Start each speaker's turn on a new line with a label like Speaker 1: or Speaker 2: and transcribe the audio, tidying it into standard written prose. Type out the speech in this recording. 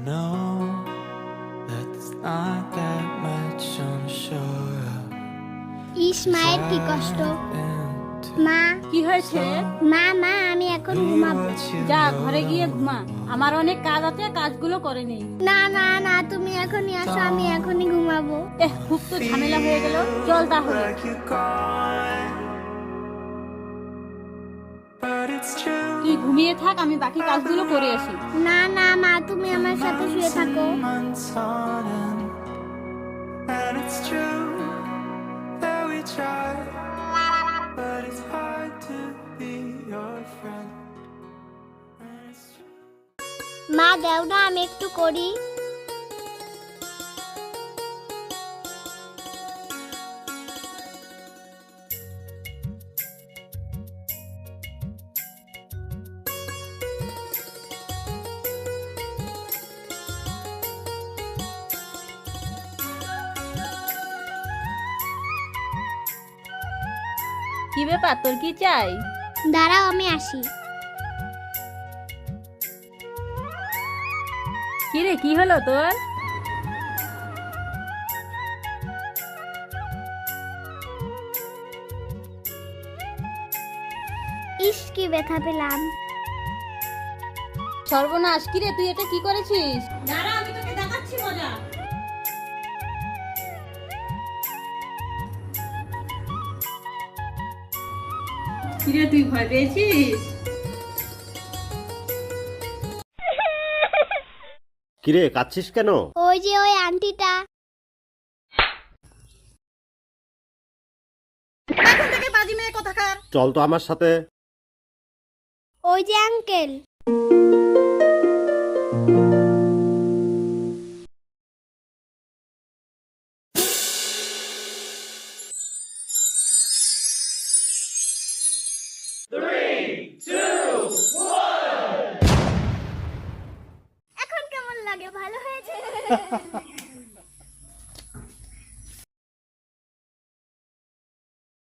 Speaker 1: know that there's not that much on shore of.
Speaker 2: ইস মায়ের কি কষ্ট। মা
Speaker 3: কি হয়েছে?
Speaker 2: মা মা আমি এখন ঘুমাবো।
Speaker 3: যা ঘরে গিয়ে ঘুমা, আমার অনেক কাজ আছে, কাজগুলো করে নেই।
Speaker 2: না না না তুমি এখনই আসো, আমি এখনই ঘুমাবো।
Speaker 3: খুব তো ঝামেলা হয়ে গেল, চল তাহলে। তুই ঘুমিয়ে থাক, আমি বাকি কাজগুলো করে আসি।
Speaker 2: না না মা তুমি আমার সাথে শুয়ে থাকো। মা দাও না আমি একটু করি।
Speaker 3: কি ব্যাপার, তোর কি চাই?
Speaker 2: দাঁড়াও আমি আসি।
Speaker 3: কি রে, কি হলো তোর?
Speaker 2: ইস কি ব্যথা পেলাম।
Speaker 3: সর্বনাশ, কি রে তুই এটা কি করেছিস? দাঁড়া আমি তোকে দেখাচ্ছি মজা। কি রে তুই ভয় পেয়েছিস?
Speaker 4: কিরে কাঁদছিস কেন?
Speaker 2: ওই যে ওই আন্টিটা।
Speaker 3: এখন থেকে বাজি মেয়ে কোথাকার।
Speaker 4: চল তো আমার সাথে।
Speaker 2: ওই যে আঙ্কেল। এখন কেমন লাগে? ভালো হয়েছে।